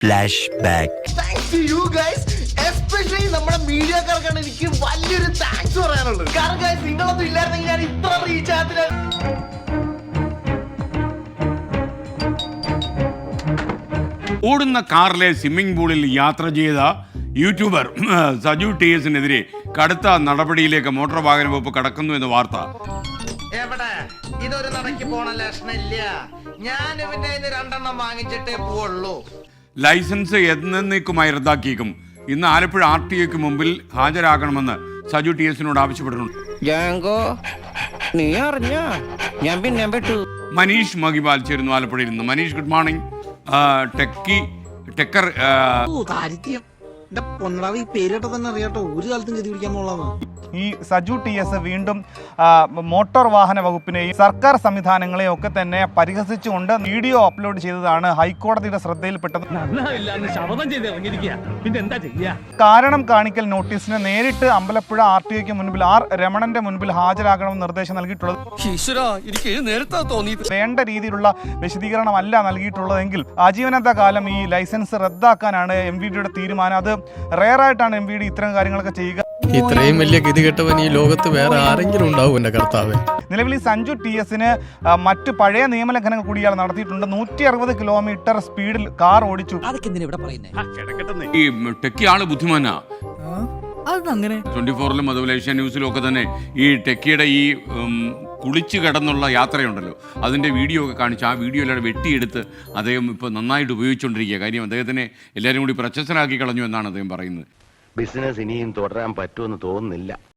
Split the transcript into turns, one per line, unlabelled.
Flash back.
Thanks to you guys, especially നമ്മുടെ മീഡിയക്കാർക്കാണ് എനിക്ക് വലിയൊരു താങ്ക്സ് പറയാനുള്ളത്. കാരണം guys, നിങ്ങളൊന്നും ഇല്ലായിരുന്നെങ്കിൽ ഞാൻ ഇത്ര റീച്ച് ആകത്തില്ല.
ഓടുന്ന കാറിലെ സ്വിമ്മിംഗ് പൂളിൽ യാത്ര ചെയ്ത യൂട്യൂബർ സജു TS-നെതിരെ കടുത്ത നടപടിയിലേക്ക് മോട്ടോർ വാഹന വകുപ്പ് കടക്കുന്നു എന്ന വാർത്ത.
എവിടെ ഇതൊരു നടക്കി പോണ ലക്ഷണില്ല. ഞാൻ ഇവന്റെ രണ്ടെണ്ണം വാങ്ങിച്ചിട്ടേ പോവുള്ളൂ.
ലൈസൻസ് എന്നേക്കുമായി റദ്ദാക്കിയേക്കും. ഇന്ന് ആലപ്പുഴ RTOക്ക് മുമ്പിൽ ഹാജരാകണമെന്ന് സജു TS-നോട് ആവശ്യപ്പെട്ടിട്ടുണ്ട്.
നീ അറിഞ്ഞ ഞാൻ പിന്നെ പെട്ടു.
മനീഷ് മഹിബാൽ ചേരുന്നു ആലപ്പുഴയിൽ നിന്ന്. Manish, good morning. ടെക്കർ
ഈ പേരിട്ട് തന്നെ അറിയാട്ടോ, ഒരു കാലത്തും ഗതി പിടിക്കാൻ പോളാണ്.
ഈ സജു TS വീണ്ടും മോട്ടോർ വാഹന വകുപ്പിനെയും സർക്കാർ സംവിധാനങ്ങളെയും ഒക്കെ തന്നെ പരിഹസിച്ചുകൊണ്ട് വീഡിയോ അപ്ലോഡ് ചെയ്തതാണ് ഹൈക്കോടതിയുടെ ശ്രദ്ധയിൽപ്പെട്ടത്. കാരണം കാണിക്കൽ നോട്ടീസിന് നേരിട്ട് അമ്പലപ്പുഴ RTOക്ക് മുൻപിൽ രമണന്റെ മുൻപിൽ ഹാജരാകണമെന്ന് നിർദ്ദേശം നൽകിയിട്ടുള്ളത്. വേണ്ട രീതിയിലുള്ള വിശദീകരണമല്ല നൽകിയിട്ടുള്ളതെങ്കിൽ ആജീവനാന്ത കാലം ഈ ലൈസൻസ് റദ്ദാക്കാനാണ് MVDയുടെ തീരുമാനം. അത് റെയറായിട്ടാണ് MVD ഇത്തരം കാര്യങ്ങളൊക്കെ ചെയ്യുക.
ഇത്രയും വലിയ ഗതികെട്ടവൻ ഈ ലോകത്ത് വേറെ ആരെങ്കിലും ഉണ്ടാവും എന്റെ കർത്താവേ.
നിലവിൽ സഞ്ജു TS-ന് മറ്റ് പഴയ നിയമലംഘനങ്ങൾ കൂടി ഇയാൾ നടത്തിയിട്ടുണ്ട്. 160 കിലോമീറ്റർ സ്പീഡിൽ കാർ ഓടിച്ചു.
ഈ ടെക്കി ആള് ബുദ്ധിമാനാ. 24-ലും അതുപോലെ ഏഷ്യ ന്യൂസിലും ഒക്കെ തന്നെ ഈ ടെക്കിയുടെ ഈ കുളിച്ചു കിടന്നുള്ള യാത്രയുണ്ടല്ലോ, അതിൻ്റെ വീഡിയോ ഒക്കെ കാണിച്ച് ആ വീഡിയോ എല്ലാം വെട്ടിയെടുത്ത് അദ്ദേഹം ഇപ്പോൾ നന്നായിട്ട് ഉപയോഗിച്ചുകൊണ്ടിരിക്കുക. കാര്യം അദ്ദേഹത്തിനെ എല്ലാവരും കൂടി പ്രശസ്തനാക്കി കളഞ്ഞു എന്നാണ് അദ്ദേഹം പറയുന്നത്.
ബിസിനസ് ഇനിയും തുടരാൻ പറ്റുമെന്ന് തോന്നുന്നില്ല.